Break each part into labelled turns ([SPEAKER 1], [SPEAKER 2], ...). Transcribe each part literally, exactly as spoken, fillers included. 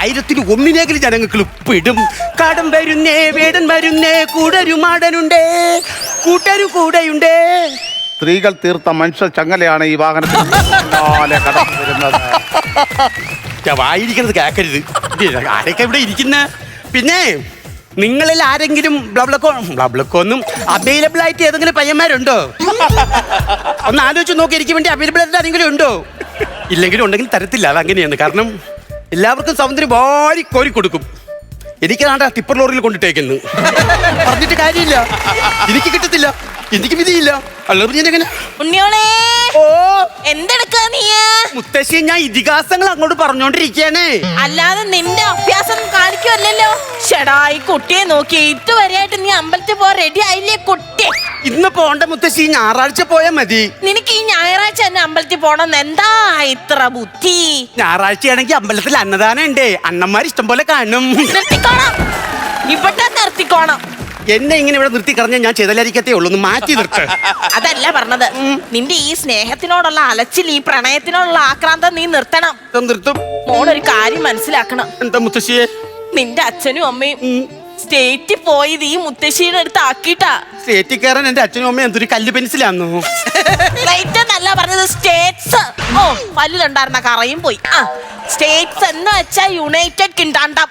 [SPEAKER 1] ആയിരത്തിന് ഒന്നിനെങ്കിലും ജനങ്ങൾക്ക് പെടും. കടം വരുന്നേ വേടൻ വരുന്നേ കൂടൊരു മാടനുണ്ടേ കൂട്ടരു കൂടെയുണ്ടേ.
[SPEAKER 2] സ്ത്രീകൾ തീർത്ത മനുഷ്യ ചങ്ങലയാണ് ഈ വാഹനത്തിൽ കടന്നു വരുന്നത്.
[SPEAKER 1] വായിരിക്കുന്നത് കേക്കരുത്. ആരൊക്കെ ഇവിടെ ഇരിക്കുന്ന? പിന്നെ നിങ്ങളിൽ ആരെങ്കിലും ബ്ലബ്ലക്കോ ബ്ലബ്ലക്കോന്നും അവൈലബിൾ ആയിട്ട് ഏതെങ്കിലും പയ്യന്മാരുണ്ടോ? ഒന്ന് ആലോചിച്ച് നോക്കി. എനിക്ക് വേണ്ടി അവൈലബിൾ ആയിട്ട് ആരെങ്കിലും ഉണ്ടോ? ഇല്ലെങ്കിലും ഉണ്ടെങ്കിൽ തരത്തില്ല. അതങ്ങനെയാണ്. കാരണം എല്ലാവർക്കും സൗന്ദര്യം വാരി കോരി കൊടുക്കും. എനിക്കാണ്ട ടിപ്പർ ലോറിയിൽ കൊണ്ടിട്ടേക്കുന്നു. പറഞ്ഞിട്ട് കാര്യമില്ല. എനിക്ക് കിട്ടത്തില്ല. എനിക്ക് വിധിയില്ല. അല്ലാതെ ഞാൻ എങ്ങനെ?
[SPEAKER 3] ഉണ്ണിയോളെ
[SPEAKER 1] ഓ
[SPEAKER 3] എന്തെടുക്കാ നീ?
[SPEAKER 1] മുത്തശ്ശി ഞാൻ ഇതിഹാസങ്ങൾ അങ്ങോട്ട് പറഞ്ഞോണ്ടിരിക്കാനേ.
[SPEAKER 3] അല്ലാതെ നിന്റെ അഭ്യാസം കാണിക്കുമല്ലോ. ഷെടാ ഈ കുട്ടിയെ നോക്കി ഇതുവരെയായിട്ട് നീ അമ്പലത്തിൽ പോ റെഡി ആയില്ലേ കുട്ടി?
[SPEAKER 1] ഇന്ന് പോണ്ട മുത്തശ്ശി, ഞായറാഴ്ച പോയാ മതി.
[SPEAKER 3] നിനക്ക് ഈ ഞായറാഴ്ച തന്നെ അമ്പലത്തിൽ പോണെന്ന് എന്താ ഇത്ര ബുദ്ധി?
[SPEAKER 1] ഞായറാഴ്ചയാണെങ്കിൽ അമ്പലത്തിൽ അന്നദാനം ഉണ്ടേ. അണ്ണന്മാർ ഇഷ്ടം പോലെ കാണും.
[SPEAKER 3] നിർത്തിക്കോണം, ഇവിടെ നിർത്തിക്കോണം.
[SPEAKER 1] എന്നെ ഇങ്ങനെ ഇവിടെ നിർത്തി കളഞ്ഞാൽ ഞാൻ ചെയ്തലായിരിക്കത്തേ ഉള്ളൂ. ഒന്ന് മാറ്റി നിർത്ത്.
[SPEAKER 3] അതല്ല പറഞ്ഞത്. നിന്റെ ഈ സ്നേഹത്തിനോടുള്ള അലച്ചിൽ, ഈ പ്രണയത്തിനോടുള്ള ആക്രാന്തം നീ നിർത്തണം.
[SPEAKER 1] നിർത്തും.
[SPEAKER 3] മോളൊരു കാര്യം മനസ്സിലാക്കണം.
[SPEAKER 1] എന്താ മുത്തശ്ശിയെ?
[SPEAKER 3] നിന്റെ അച്ഛനും അമ്മയും സ്റ്റേറ്റിൽ പോയത് ഈ മുത്തശ്ശിയുടെ അടുത്ത് ആക്കിട്ടാ.
[SPEAKER 1] സ്റ്റേറ്റിൽ കയറാൻ എന്റെ അച്ഛനും അമ്മയും എന്തൊരു കല്ല് പെൻസിലാന്നോ?
[SPEAKER 3] സ്റ്റേറ്റ് എന്നല്ല പറഞ്ഞത്, സ്റ്റേറ്റ്സ്. ഓ പല്ലിലുണ്ടായിരുന്ന കറയും പോയി. ആ സ്റ്റേറ്റ്സ് എന്ന് വെച്ചാ യുണൈറ്റഡ് കിങ്ഡം.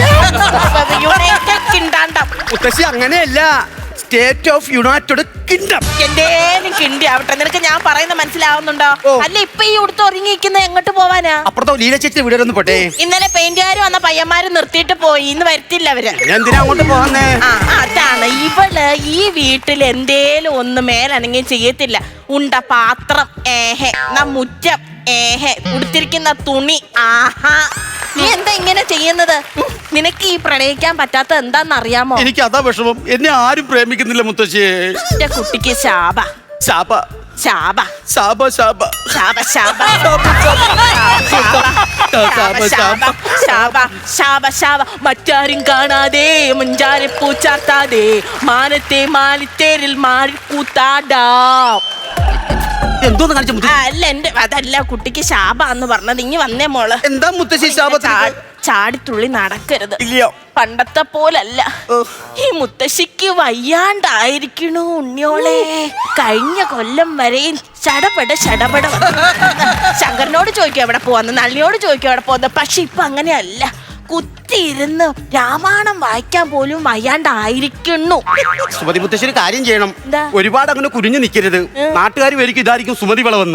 [SPEAKER 3] United kingdom.
[SPEAKER 1] മുത്തശ്ശി അങ്ങനെയല്ല, സ്റ്റേറ്റ് ഓഫ് യുണൈറ്റഡ് കിങ്ഡം.
[SPEAKER 3] എന്തേലും കിണ്ടി ആവട്ടെ. നിനക്ക് ഞാൻ പറയുന്നത് മനസ്സിലാവുന്നുണ്ടോ? അല്ല ഇപ്പൊ ഈ ഉടുത്ത് ഒരുങ്ങിയിരിക്കുന്ന എങ്ങോട്ട് പോവാനാ?
[SPEAKER 1] അപ്പുറത്തോ ലീല ചേച്ചി വീട് ഒന്ന് പോട്ടെ.
[SPEAKER 3] ഇന്നലെ പെയിന്റുകാർ വന്ന പയ്യന്മാര് നിർത്തിയിട്ട് പോയി. ഇന്ന് വരുത്തില്ല അവര്.
[SPEAKER 1] എന്തിനാ അങ്ങോട്ട് പോകാന്നേ?
[SPEAKER 3] ആ അതാണ്. ഇവള് ഈ വീട്ടിൽ എന്തേലും ഒന്ന് മേലനങ്ങി ചെയ്യത്തില്ല. ഉണ്ട പാത്രം ഏഹെ, ന മുറ്റം ഏഹെ, ഉടുത്തിരിക്കുന്ന തുണി ആഹാ. നീ എന്താ ഇങ്ങനെ ചെയ്യുന്നത്? നിനക്ക് ഈ പ്രണയിക്കാൻ പറ്റാത്ത എന്താന്നറിയാമോ?
[SPEAKER 1] എനിക്ക് അതാ വിഷമം. എന്നെ ആരും പ്രേമിക്കുന്നില്ല മുത്തശ്ശിയെ.
[SPEAKER 3] എന്റെ കുട്ടിക്ക് ശാപ
[SPEAKER 1] ശാപ
[SPEAKER 3] ശാപ
[SPEAKER 1] ശാപ ശാപ
[SPEAKER 3] ശാപ ശാപ ശാപ ശാപ ശാപ. മറ്റാരും കാണാതെ മുഞ്ചാരെ പൂച്ചാത്താതെ മാനത്തെ മാലിത്തേരിൽ മാറി കൂത്താടാം.
[SPEAKER 1] എന്തോന്ന് കാണിച്ച?
[SPEAKER 3] അല്ല എന്റെ അതല്ല കുട്ടിക്ക് ശാപ എന്ന് പറഞ്ഞത്. ഇനി വന്നേ മോള്.
[SPEAKER 1] എന്താ മുത്തശ്ശി ശാപത്തിൽ?
[SPEAKER 3] ചാടിത്തുള്ളി നടക്കരുത്.
[SPEAKER 1] ഇല്ലയോ?
[SPEAKER 3] പണ്ടത്തെ പോലല്ല. ഈ മുത്തശ്ശിക്ക് വയ്യാണ്ടായിരിക്കണു ഉണ്ണിയോളെ. കഴിഞ്ഞ കൊല്ലം വരെയും ചടപട ചടപട. ശങ്കരനോട് ചോദിക്കും എവിടെ പോവാന്ന്, നളിനിയോട് ചോദിക്കും എവിടെ പോവാന്ന്. പക്ഷെ ഇപ്പൊ അങ്ങനെയല്ല. കുത്തിയിരുന്ന് രാമായണം വായിക്കാൻ പോലും വയ്യാണ്ടായിരിക്കുന്നു.
[SPEAKER 1] സുമതി മുത്തശ്ശി ഒരു കാര്യം ചെയ്യണം. ഒരുപാട് അങ്ങനെ കുരിഞ്ഞു നിൽക്കരുത്. നാട്ടുകാർ വരിക്കും ഇതായിരിക്കും സുമതി വളവെന്ന്.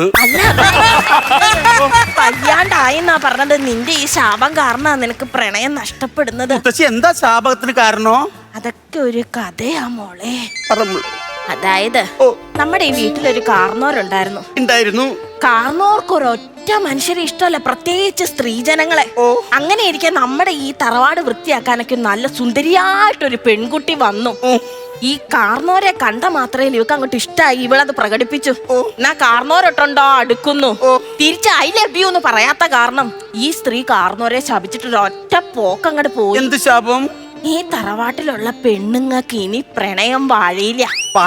[SPEAKER 3] വയ്യാണ്ടായെന്നാ പറഞ്ഞത്. നിന്റെ ഈ ശാപം കാരണ നിനക്ക് പ്രണയം നഷ്ടപ്പെടുന്നത്.
[SPEAKER 1] മുത്തശ്ശി എന്താ ശാപത്തിന് കാരണോ?
[SPEAKER 3] അതൊക്കെ ഒരു കഥയാ മോളെ.
[SPEAKER 1] പറഞ്ഞു.
[SPEAKER 3] അതായത് നമ്മുടെ ഈ വീട്ടിലൊരു കാർന്നോരുണ്ടായിരുന്നു.
[SPEAKER 1] ഉണ്ടായിരുന്നു.
[SPEAKER 3] കാർന്നോർക്ക് ഒരൊറ്റ മനുഷ്യരെ ഇഷ്ടമല്ല, പ്രത്യേകിച്ച് സ്ത്രീജനങ്ങളെ. അങ്ങനെ ഇരിക്കാൻ നമ്മുടെ ഈ തറവാട് വൃത്തിയാക്കാനൊക്കെ നല്ല സുന്ദരിയായിട്ടൊരു പെൺകുട്ടി വന്നു. ഈ കാർന്നോരെ കണ്ട മാത്രമേ ഇവക്ക് അങ്ങോട്ട് ഇഷ്ടമായി. ഇവളത് പ്രകടിപ്പിച്ചു. എന്നാ കാർന്നോരൊട്ടുണ്ടോ അടുക്കുന്നു. തിരിച്ച് ഐ ലവ് യു എന്ന് പറയാത്ത കാരണം ഈ സ്ത്രീ കാർന്നോരെ ശപിച്ചിട്ട് ഒറ്റ പോക്ക് അങ്ങോട്ട് പോയി.
[SPEAKER 1] എന്ത് ശാപം?
[SPEAKER 3] ഈ തറവാട്ടിലുള്ള പെണ്ണുങ്ങൾക്ക് ഇനി പ്രണയം വാഴില്ല.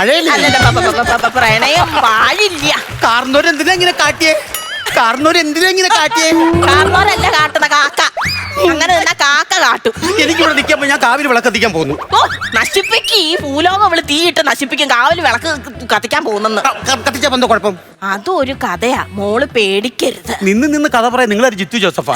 [SPEAKER 3] പ്രണയം വാഴില്ല.
[SPEAKER 1] കാർന്നോര് എന്തിനാ ഇങ്ങനെ കാട്ടിയേ? കാർന്നോര് എന്തിനാ ഇങ്ങനെ കാട്ടിയേ?
[SPEAKER 3] കാർന്നോരല്ല കാട്ടുന്ന കാക്ക. അങ്ങനെ തന്നെ കാക്ക കാട്ടും.
[SPEAKER 1] എനിക്കിവിടെ നിൽക്കാൻ ഞാൻ കാവിൽ വിളക്ക് കത്തിക്കാൻ പോകുന്നു.
[SPEAKER 3] ഓ നശിപ്പിക്ക്. ഈ ഭൂലോകം അവള് തീയിട്ട് നശിപ്പിക്കും. കാവിൽ വിളക്ക് കത്തിക്കാൻ പോകുന്നെന്ന്.
[SPEAKER 1] കത്തിച്ചാ എന്തോ കുഴപ്പം?
[SPEAKER 3] അതും ഒരു കഥയാ. മോള് പേടിക്കരുത്.
[SPEAKER 1] നിന്ന് നിന്ന് കഥ പറയാൻ നിങ്ങളൊരു ജിത്തു ജോസഫാ.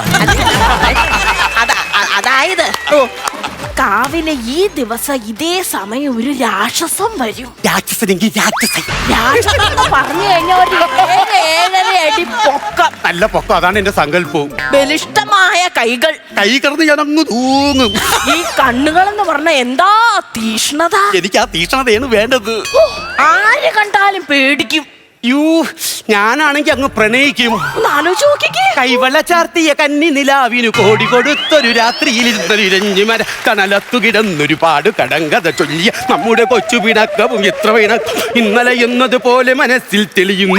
[SPEAKER 3] അതായത് കാവിലെ ഈ ദിവസം ഇതേ സമയം ഒരു രാക്ഷസം വരും.
[SPEAKER 1] രാക്ഷസനെങ്കിൽ രാക്ഷസൻ.
[SPEAKER 3] രാക്ഷസൻ പറഞ്ഞു കഴിഞ്ഞാൽ ഒരു ഏഴ് ഏഴര അടി പൊക്കം.
[SPEAKER 1] നല്ല പൊക്കം. അതാണ് എന്റെ സങ്കല്പവും.
[SPEAKER 3] ബലിഷ്ഠമായ കൈകൾ.
[SPEAKER 1] കൈ കിടന്ന് ഞാൻ അങ്ങ് തൂങ്ങും.
[SPEAKER 3] ഈ കണ്ണുകൾ എന്ന് പറഞ്ഞ എന്താ തീഷ്ണത.
[SPEAKER 1] എനിക്ക് ആ തീഷ്ണതയാണ് വേണ്ടത്.
[SPEAKER 3] ആര് കണ്ടാലും പേടിക്കും.
[SPEAKER 1] യൂ ഞാനാണെങ്കി അങ്ങ് പ്രണയിക്കും.
[SPEAKER 3] ആലോചിച്ച് നോക്കിക്കേ.
[SPEAKER 1] കൈവള ചാർത്തിയ കന്നി നിലാവിനു കോടി കൊടുത്തൊരു രാത്രിയിൽ ഇരുഞ്ഞുമര കനലത്തു കിടന്നൊരു പാട് കടങ്കഥ ചൊല്ലിയ നമ്മുടെ കൊച്ചു പിണക്കവും എത്ര പിണക്കം ഇന്നലെ എന്നതുപോലെ മനസ്സിൽ തെളിയുന്നു.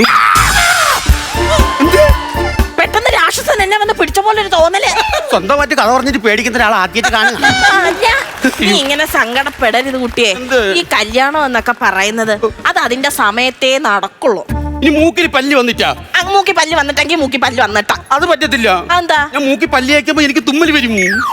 [SPEAKER 3] പെട്ടെന്ന് രാക്ഷസൻ എന്നെ വന്ന് പിടിച്ച പോലെ ഒരു തോന്നല്.
[SPEAKER 1] സ്വന്തമായിട്ട് കഥ പറഞ്ഞിട്ട് പേടിക്കുന്ന ഒരാൾ ആദ്യമായിട്ട് കാണുക.
[SPEAKER 3] നീ ഇങ്ങനെ സങ്കടപ്പെടരുത് കുട്ടിയെ. ഈ കല്യാണം എന്നൊക്കെ പറയുന്നത് അത് അതിന്റെ സമയത്തേ നടക്കുള്ളൂ.
[SPEAKER 1] ഇനി മൂക്കിൽ പല്ല് വന്നിട്ടാ
[SPEAKER 3] ആ, മൂക്കി പല്ല് വന്നിട്ടെങ്കിൽ മൂക്കി പല്ല് വന്നിട്ടാ.
[SPEAKER 1] അത് പറ്റത്തില്ല.
[SPEAKER 3] അതെന്താ?
[SPEAKER 1] ഞാൻ മൂക്കി പല്ല് വയ്ക്കുമ്പോ എനിക്ക് തുമ്മൽ വരും.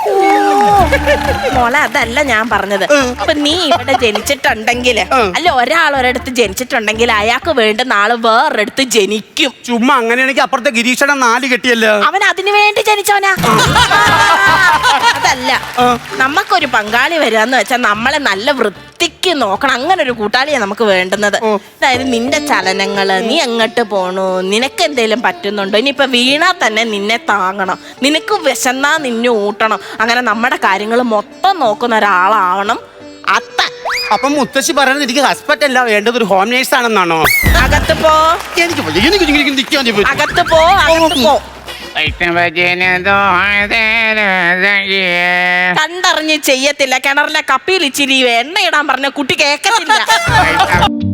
[SPEAKER 3] മോളെ അതല്ല ഞാൻ പറഞ്ഞത്. ഇപ്പൊ നീ ഇവിടെ ജനിച്ചിട്ടുണ്ടെങ്കിൽ അല്ല ഒരാൾ ഒരിടത്ത് ജനിച്ചിട്ടുണ്ടെങ്കിൽ അയാൾക്ക് വേണ്ടുന്ന ആള് വേറൊരിടത്ത് ജനിക്കും.
[SPEAKER 1] ചുമ്മാ അങ്ങനെയാണെങ്കിൽ അപ്പുറത്തെ ഗിരീഷണം നാല് കെട്ടിയല്ലോ.
[SPEAKER 3] അവൻ അതിനു വേണ്ടി ജനിച്ചവനാ. അതല്ല, നമുക്കൊരു പങ്കാളി വരികയെന്ന് വെച്ചാൽ നമ്മളെ നല്ല വൃത്തിക്ക് നോക്കണം. അങ്ങനെ ഒരു കൂട്ടാളിയാ നമുക്ക് വേണ്ടുന്നത്. അതായത് നിന്റെ ചലനങ്ങള്, നീ എങ്ങോട്ട് പോണു, നിനക്ക് എന്തേലും പറ്റുന്നുണ്ടോ, ഇനിയിപ്പൊ വീണാ തന്നെ നിന്നെ താങ്ങണം, നിനക്ക് വിശന്നാ നിന്നെ ഊട്ടണം. അങ്ങനെ നമ്മുടെ കാര്യങ്ങൾ മൊത്തം നോക്കുന്ന ഒരാളാവണം അത്ത.
[SPEAKER 1] അപ്പൊ മുത്തശ്ശി പറയുന്നത് എനിക്ക് ഹസ്ബൻഡ് അല്ല വേണ്ടത്, ഒരു ഹോം നേഴ്സ് ആണെന്നാണോ?
[SPEAKER 3] അകത്ത് പോ,
[SPEAKER 1] എനിക്ക് വയ്യ, എനിക്ക് ഇങ്ങനെ ഇങ്ങനെ നിൽക്കാൻ പറ്റും.
[SPEAKER 3] അകത്ത് പോ, അകത്ത് പോ. കണ്ടറിഞ്ഞ് ചെയ്യത്തില്ല. കിണറിലെ കപ്പിയിൽ ഇച്ചിരി എണ്ണ ഇടാൻ പറഞ്ഞ കുട്ടി കേക്കത്തില്ല.